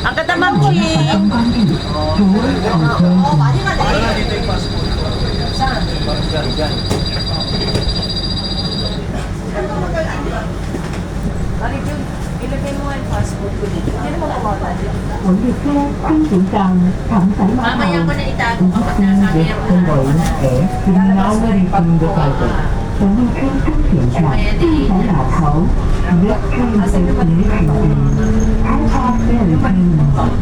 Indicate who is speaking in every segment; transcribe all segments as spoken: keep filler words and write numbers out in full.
Speaker 1: Ang ganda, Ma'am Chi.
Speaker 2: Oo, mali mali.
Speaker 3: Dito yung passport ko.
Speaker 2: Saan?
Speaker 3: Parang dyan, dyan.
Speaker 2: Mali yun. Ilagay mo nga yung passport ko dito. Hindi naman mawala dito.
Speaker 4: 我列车经行上长城码
Speaker 1: Mamaya
Speaker 4: 头
Speaker 1: ko na itago
Speaker 4: 已
Speaker 1: kapag
Speaker 4: 经
Speaker 1: nasabi
Speaker 4: 列
Speaker 1: ako
Speaker 4: 车
Speaker 1: na.
Speaker 4: 为给云南卫星的载人，从列车终点上进城码头 This train is connecting Hancock Ferry Terminal.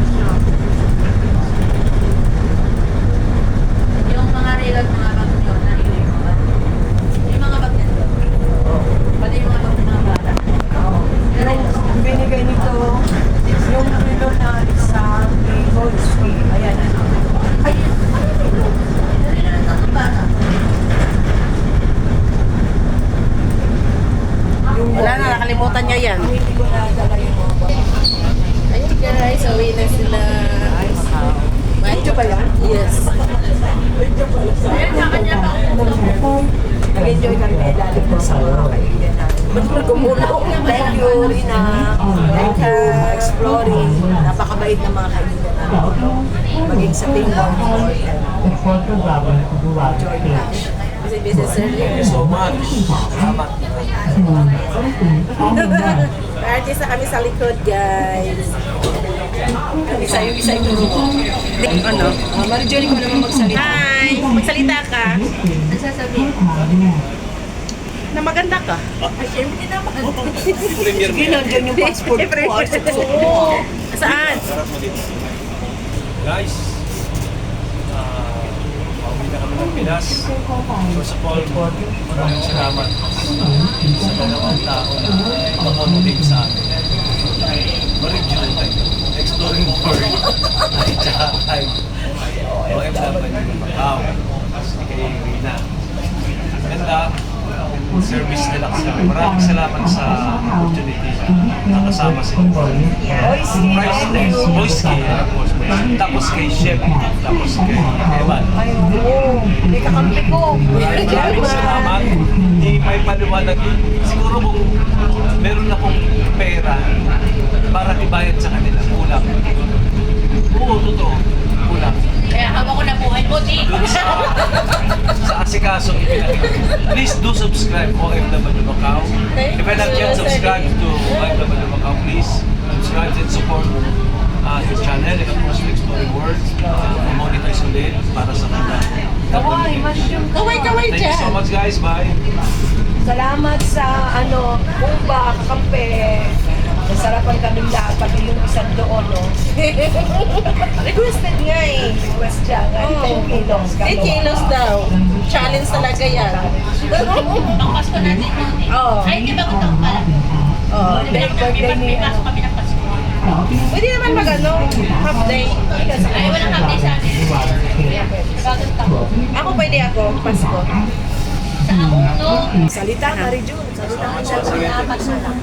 Speaker 1: Yung mga regal, mga bag nyo, narinig mo ba? Yung mga bag nito. Pati yung mga bag ng mga bata.
Speaker 2: Yung binigay nito, yung relo na sa Goldsky. Ayan na.
Speaker 1: Ay, ay, ay, tatlong bata. Wala na, nakalimutan niya yan.
Speaker 2: Hindi ko nadala yung mga bag.
Speaker 1: Ayun guys, uwi na sila.
Speaker 2: Medyo ba yan?
Speaker 1: Yes.
Speaker 2: Nag-enjoy kami na ilalim po sa mga kaibigan natin.
Speaker 1: Ba't mo gumulong?
Speaker 2: Thank you, Rina. Thank you, exploring. Napakabait ng mga kaibigan natin. Maging sa team ng
Speaker 4: The photo travel to Dubai State.
Speaker 1: Kasi business earlier.
Speaker 3: Thank you so much. Salamat.
Speaker 1: Artist na kami sa likod, guys.
Speaker 2: isa yung isa yung turo ko.
Speaker 1: Ano?
Speaker 2: Uh, Marijoy ko naman magsalita.
Speaker 1: Hi! Magsalita ka. Nagsasabihin. Na maganda ka.
Speaker 2: Ay, syempre naman.
Speaker 3: Premier
Speaker 2: Sige, nandiyan yung passport ko.
Speaker 1: Oo. Saan?
Speaker 3: Sarap mo dito. Guys, ah, pauwi na kami ng Pinas. First of all, maraming salamat sa dalawang tao na makamotive sa amin. Marijoy, exploring the world. Ay, tsaka ay, O F W ng Macau. Kay Rina. Ganda, service nila kasi. Maraming salamat sa opportunity na nakasama sila. Priceless. Boyski, of course. Tapos kay Chef. Tapos kay Evan.
Speaker 2: Ay, oo. May kakampi ko.
Speaker 3: Maraming maraming salamat. Hindi may paliwanag. Siguro kung meron akong pera para ibayad sa kanila, kulang. Oo, totoo. Kulang.
Speaker 1: Kaya habang ko na buhay mo, di.
Speaker 3: Dun sa, sa asikasong ipinakita. Please do subscribe O F W Macau. If you're not yet subscribed to O F W Macau, please subscribe and support uh, his channel and of course Exploring World. Uh, monetize ulit para sa mga
Speaker 2: Kaway, mushroom.
Speaker 1: Kaway-kaway
Speaker 3: Thank you so
Speaker 1: dyan.
Speaker 3: much guys. Bye.
Speaker 2: Salamat sa ano, Kumba, kakampi. Nasarapan kaming lahat, pati yung isang doon, no?
Speaker 1: Requested nga eh.
Speaker 2: Request siya nga, ten kilos.
Speaker 1: ten kilos daw. Challenge talaga yan.
Speaker 5: Ang Pasko natin yun eh.
Speaker 1: Oo.
Speaker 5: Ay, di ba kung pala?
Speaker 1: Oh,
Speaker 2: May birthday
Speaker 5: May
Speaker 2: niya.
Speaker 5: pasok kami ng Pasko.
Speaker 1: pwede naman mag ano, half day.
Speaker 5: Ay, walang kami sa atin. Bagong taon.
Speaker 1: Ako pwede ako, Pasko.
Speaker 5: Sa akong to.
Speaker 2: Salita, Marijun. Salita ka siya.
Speaker 5: Salamat na lang.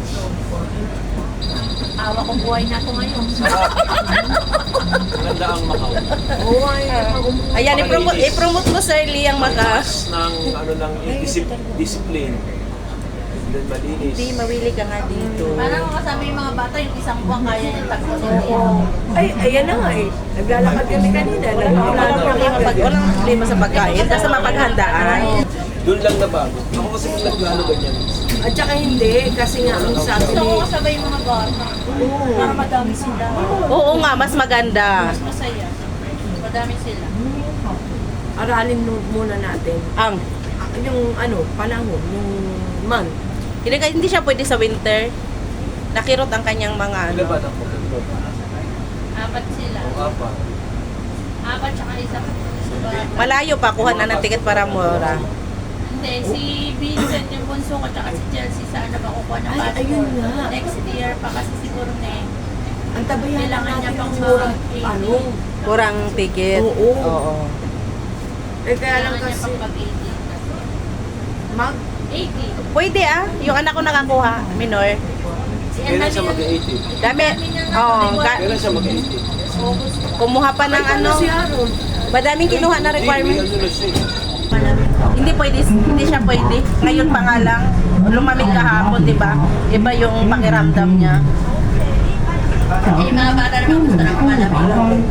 Speaker 5: Awa ko buhay na ako ngayon.
Speaker 3: Ganda ang Macau.
Speaker 2: Oo, ay,
Speaker 1: Ayan, i-promote, i-promote mo Sir Lee ang maka.
Speaker 3: Taas ng ano ng disip- discipline. Then malinis.
Speaker 1: Hindi, mawili ka nga dito.
Speaker 5: Parang kasama yung mga bata, yung isang buwan kaya yung tagpo sa
Speaker 2: Ay, ayan na nga eh. Naglalakad kami kanina.
Speaker 1: Walang problema, pag, walang problema sa pagkain, basta mapaghandaan.
Speaker 3: Doon lang na bago. Ako kasi kung naglalo ganyan.
Speaker 2: At saka hindi, kasi nga ang sabi
Speaker 5: Gusto ko
Speaker 2: ni...
Speaker 5: kasabay yung mga bata. Para madami sila.
Speaker 1: Oo nga, mas maganda.
Speaker 5: Mas masaya. Madami sila.
Speaker 2: Aralin mo- muna natin.
Speaker 1: Ang,
Speaker 2: Yung ano, panahon, yung month.
Speaker 1: hindi, ka- hindi siya pwede sa winter. Nakirot ang kanyang mga ano.
Speaker 3: Ilan ba na po?
Speaker 5: Apat sila.
Speaker 3: O apat.
Speaker 5: Apat tsaka isa.
Speaker 1: Malayo pa, kuha na ng ticket para mura.
Speaker 5: Hindi, si Vincent yung bunso ko tsaka si Chelsea sana makukuha ng
Speaker 2: Ay,
Speaker 5: passport.
Speaker 2: ayun nga.
Speaker 5: Next year pa kasi siguro na eh.
Speaker 2: Ang tabayan
Speaker 5: Kailangan
Speaker 2: natin
Speaker 5: niya pang
Speaker 2: yung murang,
Speaker 5: mag-
Speaker 2: ano,
Speaker 1: Kurang ticket.
Speaker 2: Oo.
Speaker 1: Oo.
Speaker 2: eh kaya lang
Speaker 5: Kailangan niya
Speaker 2: kasi,
Speaker 5: pang mag-eighty.
Speaker 2: mag,
Speaker 5: eighty.
Speaker 1: Pwede ah, yung anak ko nakakuha, minor.
Speaker 5: Si
Speaker 3: Kailan
Speaker 5: Annalyn
Speaker 3: siya mag-eighty?
Speaker 1: Dami, oh, ga-
Speaker 3: Kailan siya mag-eighty?
Speaker 5: August.
Speaker 1: kumuha pa ng ano,
Speaker 2: si Aaron.
Speaker 1: madaming kinuha na
Speaker 3: Hindi, may
Speaker 1: requirement.
Speaker 3: ano na siya eh.
Speaker 1: Hindi pwede, hindi siya pwede. Ngayon pa nga lang, lumamig kahapon, di ba? Iba yung pakiramdam niya. Eh, yung mga bata naman gusto na malamig.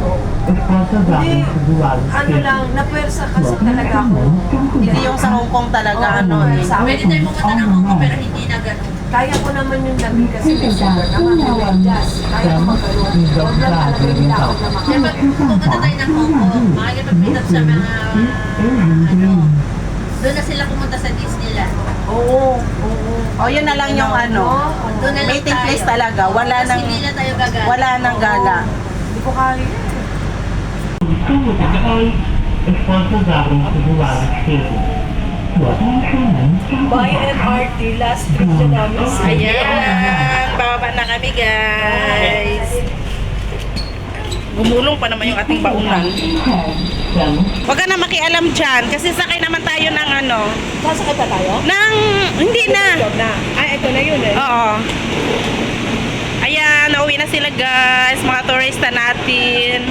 Speaker 2: Ano lang, napwersa kasi talaga ako.
Speaker 5: Hindi yung sa Hong Kong talaga, ano eh.
Speaker 1: Pwede tayo pumunta ng Hong Kong pero hindi na ganun.
Speaker 2: Kaya ko naman yung lamig kasi may sugar naman, may medyas. Kaya ko magkaroon. Huwag lang talaga yung lakot na
Speaker 1: Kaya
Speaker 2: makakot.
Speaker 1: pag pumunta tayo ng Hong Kong, makikipag-meet up sa mga, ano, doon na sila pumunta sa Disneyland.
Speaker 2: Oo, oo.
Speaker 5: O yun na lang yung ano.
Speaker 1: Doon na lang
Speaker 5: Meeting
Speaker 1: tayo.
Speaker 5: place talaga. Wala
Speaker 1: Tapos
Speaker 5: nang,
Speaker 1: hindi na tayo gagana.
Speaker 5: wala nang gala.
Speaker 2: Hindi ko kaya. By M R T, last trip na namin sa
Speaker 5: Ayan, bababa na kami guys. Gumulong pa naman yung ating baunan. Huwag ka na makialam dyan kasi sakay naman tayo ng ano.
Speaker 2: Sasakay pa tayo?
Speaker 5: Ng, hindi na.
Speaker 2: Job na. Ay, ito na yun eh.
Speaker 5: Oo. Ayan, nauwi na sila guys, mga turista natin.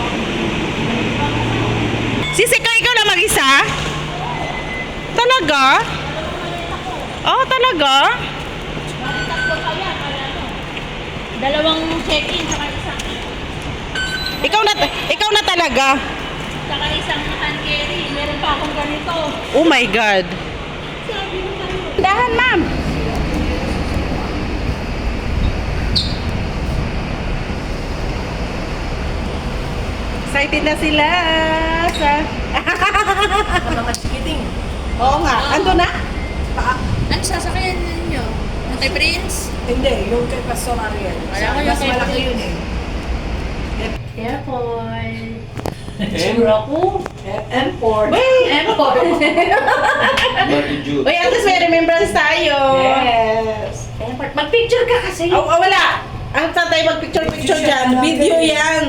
Speaker 5: Sisika, ikaw lang mag-isa? Talaga? Oh, talaga?
Speaker 6: Dalawang check-in, saka isang,
Speaker 5: Ikaw na, ikaw na talaga?
Speaker 6: saka isang hand carry. Meron pa akong ganito.
Speaker 5: Oh my God. Dahan, ma'am. Excited na sila sa...
Speaker 2: Mga chikiting.
Speaker 5: Oo nga, ando na?
Speaker 1: Ano sasakyan ninyo? Yung kay Prince?
Speaker 2: Hindi, yung kay Pastor Ariel.
Speaker 1: Wala ko yung
Speaker 2: Mas
Speaker 1: kay
Speaker 2: malaki
Speaker 1: Prince.
Speaker 2: yun eh.
Speaker 1: Careful.
Speaker 2: Sure ako. Import.
Speaker 1: Careful.
Speaker 5: Uy, at least may remembrance tayo.
Speaker 2: Yes.
Speaker 1: Careful. Mag-picture ka kasi.
Speaker 5: Oh, oh, wala. Ang saan tayo mag-picture-picture dyan? Video yan.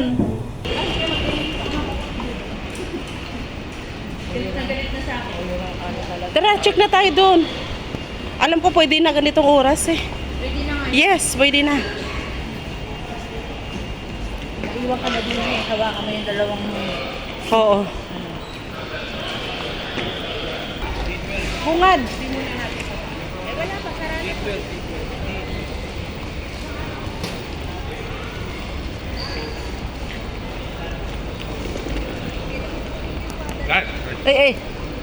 Speaker 5: Tara, check na tayo doon. Alam ko pwede na ganitong oras eh.
Speaker 1: Pwede na nga.
Speaker 5: Yes, pwede na.
Speaker 1: Iwan ka na din eh. Hawakan mo yung dalawang
Speaker 5: Oo. Bungad. Eh, eh.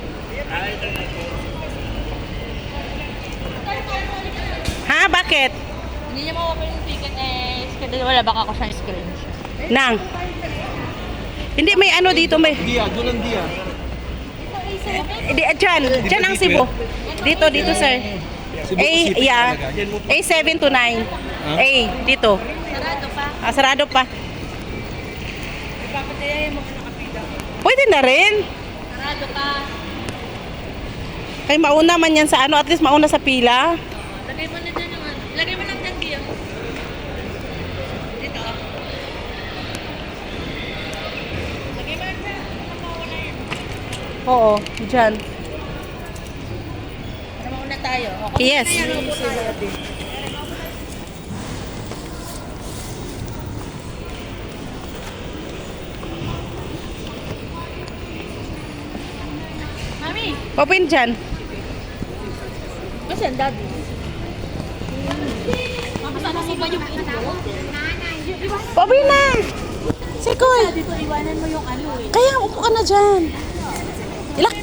Speaker 5: Ha? Bakit?
Speaker 6: Hindi niya ma-open yung ticket eh. Kasi wala baka ako sa screenshot.
Speaker 5: Nang? Hindi, may ano dito, may...
Speaker 3: Dia, doon ang dia.
Speaker 5: Di, dyan, dyan ang Cebu. Dito, dito, sir. A, yeah. A seven to nine. A, dito.
Speaker 6: Sarado pa.
Speaker 5: Ah, sarado pa. Pwede na rin.
Speaker 6: Sarado pa.
Speaker 5: Kay mauna man yan sa ano, at least mauna sa pila.
Speaker 6: Lagay mo na dyan yung ano. Lagay mo lang dyan diyan. Dito. Lagay mo lang dyan. Mauna yan.
Speaker 5: Oo, dyan.
Speaker 6: Para mauna tayo. Okay.
Speaker 5: Yes.
Speaker 6: Mami,
Speaker 5: Open dyan.
Speaker 6: kasi ang daddy. Makasama mo ba yung ito?
Speaker 5: Open na. Sikoy.
Speaker 6: Dito iwanan mo yung ano eh.
Speaker 5: Kaya upo ka na dyan. Ilak.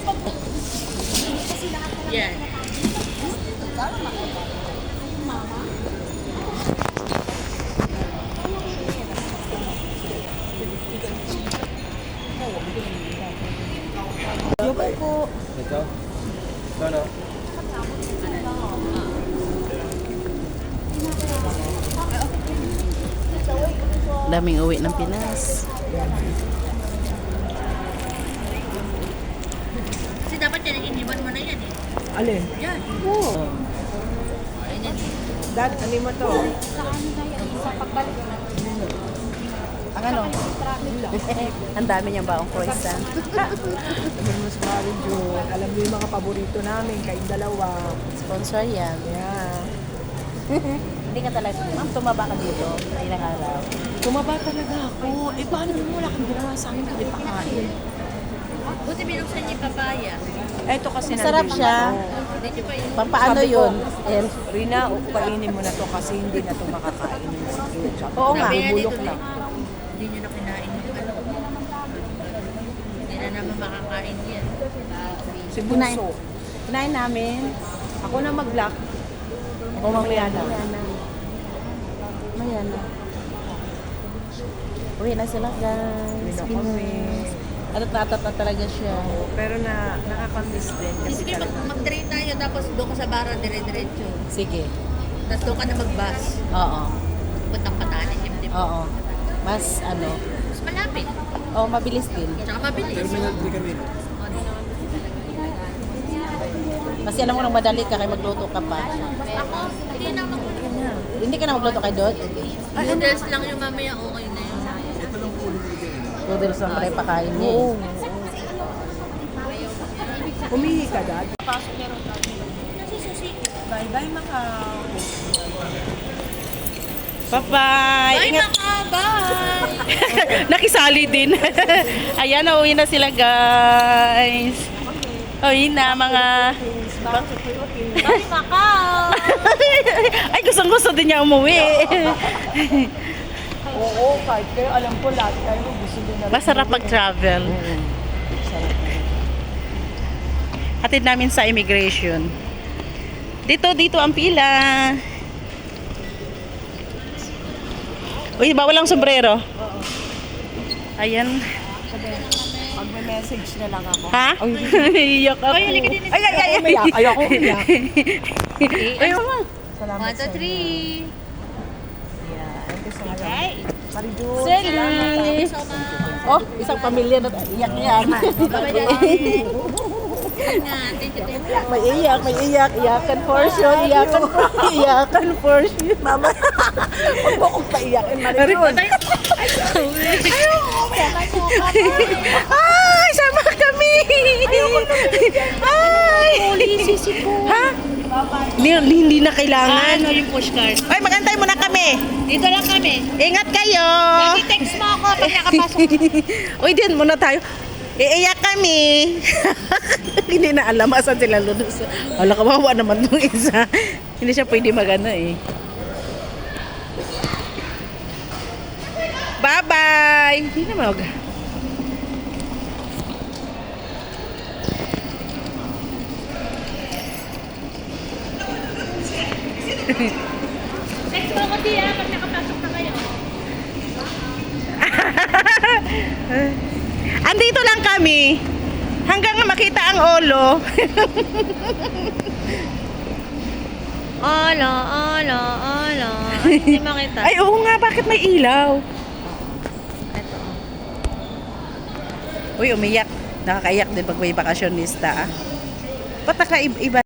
Speaker 1: Yan.
Speaker 3: Ito? Ano?
Speaker 5: Daming uwi ng Pinas.
Speaker 1: Kasi dapat yan, iniwan mo na yan eh.
Speaker 2: Alin?
Speaker 1: Yan.
Speaker 5: Oo.
Speaker 2: Dad, ano mo to?
Speaker 5: Ang ano? Ang dami niyang baong croissant.
Speaker 2: Sabi mo sa Mari June, alam mo yung mga paborito namin, kayong dalawa.
Speaker 5: Sponsor yan.
Speaker 2: Yeah.
Speaker 5: Hindi ka talaga, ma'am, tumaba ka dito sa ilang araw.
Speaker 2: Tumaba talaga ako. Eh, paano mo wala kang ginawa sa amin kahit pakain?
Speaker 1: Buti binuksan niya yung papaya.
Speaker 2: Ito kasi
Speaker 5: Masarap
Speaker 2: nandun
Speaker 5: siya.
Speaker 2: ako.
Speaker 1: Hindi niyo pa yun.
Speaker 5: Pampaano
Speaker 2: Sabi ko,
Speaker 5: yun? Ayan.
Speaker 2: Rina, kainin mo na to kasi hindi na to makakain.
Speaker 5: Oo nga.
Speaker 1: Sabi nga
Speaker 2: Bubulok
Speaker 1: dito,
Speaker 2: lang.
Speaker 1: Hindi niyo na kinain yung ano. Hindi na naman makakain yan.
Speaker 2: Si Bunso.
Speaker 5: Kinain namin.
Speaker 2: Ako na mag-lock. Ako mamaya na.
Speaker 5: Maya na. Maya na. Uwi na sila guys.
Speaker 2: Uwi na kami.
Speaker 5: At tatat na talaga siya.
Speaker 2: Pero na nakakamiss din kasi
Speaker 1: Sige, mag
Speaker 2: talaga.
Speaker 1: mag-train tayo tapos doon ka sa bara dire-diretso.
Speaker 5: Sige.
Speaker 1: Tapos doon ka na mag-bus.
Speaker 5: Oo.
Speaker 1: Puntang Patanis, yung di ba?
Speaker 5: Oo. Mas ano.
Speaker 1: Mas malapit.
Speaker 5: Oh, mabilis din.
Speaker 1: Tsaka mabilis.
Speaker 3: Terminal three kami.
Speaker 1: O, di naman
Speaker 5: Kasi alam mo nang madali ka kaya magluto ka pa.
Speaker 1: Ako, hindi na mag
Speaker 5: Hindi ka na magluto kay Dot?
Speaker 1: Noodles lang yung mamaya, okay na yun.
Speaker 5: Noodles lang pala yung pakain niya.
Speaker 2: Oo.
Speaker 5: eh.
Speaker 2: Umihi ka, Dad? Bye-bye, Macau.
Speaker 5: Bye-bye!
Speaker 1: Bye,
Speaker 5: Ingat!
Speaker 1: Maka! Bye!
Speaker 5: Nakisali din. Ayan, uuwi na sila guys. Uwi na mga...
Speaker 1: Bye, Maka!
Speaker 5: Ay, gustong-gusto din niya umuwi.
Speaker 2: Oo, kahit kayo, alam ko lahat kayo gusto din na.
Speaker 5: Masarap mag-travel. Hatid namin sa immigration. Dito, dito ang pila. Uy, bawal ang sombrero. Ayan.
Speaker 2: Pag may message na lang ako.
Speaker 5: Ha? Iyak ako. Ay,
Speaker 2: Ay, ay, ay, umiyak. Ayoko umiyak.
Speaker 5: Ay, mama.
Speaker 2: Salamat
Speaker 1: One, two,
Speaker 2: sa
Speaker 1: three.
Speaker 2: Yeah, thank you so much. Marijun,
Speaker 5: Sally.
Speaker 1: So much.
Speaker 5: Oh, isang pamilya na iyak yan.
Speaker 1: Bye-bye, Daddy. Ingat. Thank you, thank you.
Speaker 5: May iyak, may iyak. Iyakan portion, iyakan portion, iyakan portion.
Speaker 2: Mama, huwag mo akong paiyakin, Marijun.
Speaker 5: Ay, sama kami! Ay! Ha? Hindi, hindi na kailangan.
Speaker 1: Ano yung pushcard?
Speaker 5: Ay, magantay muna kami.
Speaker 1: Dito lang kami.
Speaker 5: Ingat kayo.
Speaker 1: I-text mo ako pag nakapasok.
Speaker 5: Uy, din muna tayo. Iiyak kami. Hindi na alam asan sila lulus. Wala, kawawa naman nung isa. Hindi siya pwede magano eh. Bye-bye! Hindi na mag...
Speaker 6: Text mo ako di ah, pag nakapasok na kayo.
Speaker 5: Andito lang kami. Hanggang makita ang olo.
Speaker 1: Ala, ala, ala. Ay, hindi makita.
Speaker 5: Ay, oo nga. Bakit may ilaw?
Speaker 1: Ito.
Speaker 5: Uy, umiyak. Nakakaiyak din pag may bakasyonista. Ah. Ba't nakaiba?